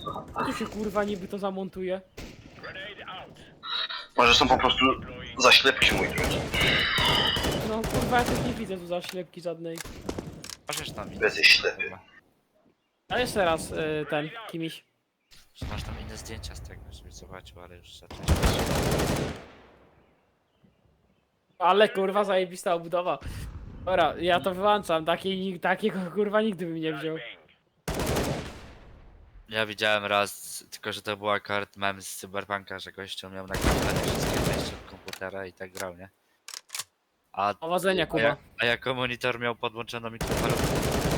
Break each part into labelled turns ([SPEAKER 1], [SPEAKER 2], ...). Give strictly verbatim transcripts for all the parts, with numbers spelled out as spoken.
[SPEAKER 1] Tu się kurwa niby to zamontuje.
[SPEAKER 2] Może są po prostu zaślepki, mój drogi.
[SPEAKER 1] No kurwa, ja też nie widzę tu zaślepki żadnej.
[SPEAKER 3] Możesz tam inne.
[SPEAKER 2] Jesteś ślepy.
[SPEAKER 1] A jeszcze raz y, ten, kimś.
[SPEAKER 3] Że masz tam inne zdjęcia z tego, żebyś zobaczył, ale już zacząłeś.
[SPEAKER 1] Ale kurwa zajebista obudowa. Dobra, ja to wyłączam, takiej, takiego kurwa nigdy bym nie wziął.
[SPEAKER 3] Ja widziałem raz, tylko że to był akurat mem z Cyberpunka, że gościu miał nagrywane wszystkie części od komputera i tak grał, nie? A,
[SPEAKER 1] Powodzenia,
[SPEAKER 3] a,
[SPEAKER 1] Kuba.
[SPEAKER 3] ja, a jako monitor miał podłączoną mikrofalówkę.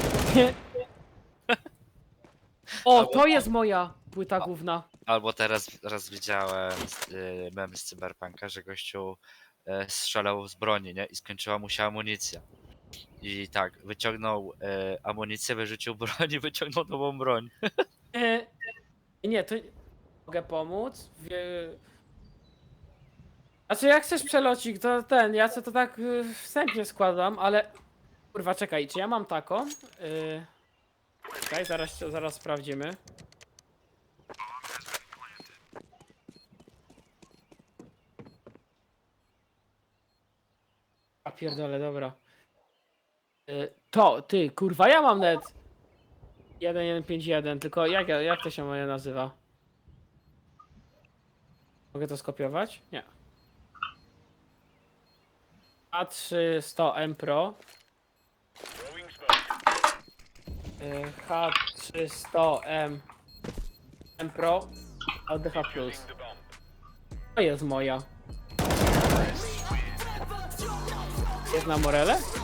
[SPEAKER 1] O, to jest moja płyta główna.
[SPEAKER 3] Albo teraz raz widziałem y, mem z Cyberpunka, że gościu y, strzelał z broni, nie? I skończyła mu się amunicja. I tak, wyciągnął y, amunicję, wyrzucił broń i wyciągnął nową broń.
[SPEAKER 1] E, nie, to mogę pomóc. Wie... Znaczy jak chcesz przelocik, to ten, ja co to tak y, wstępnie składam, ale... Kurwa, czekaj, czy ja mam taką? Y... Czekaj, zaraz, zaraz sprawdzimy. A pierdolę, dobra. Y, to, ty, kurwa, ja mam net. jeden jeden pięć jeden, tylko jak, jak to się moje nazywa? Mogę to skopiować? Nie. A trzy sto M Pro. Y, H trzy sto M M Pro L D H plus. To jest moja. Jest na Morele?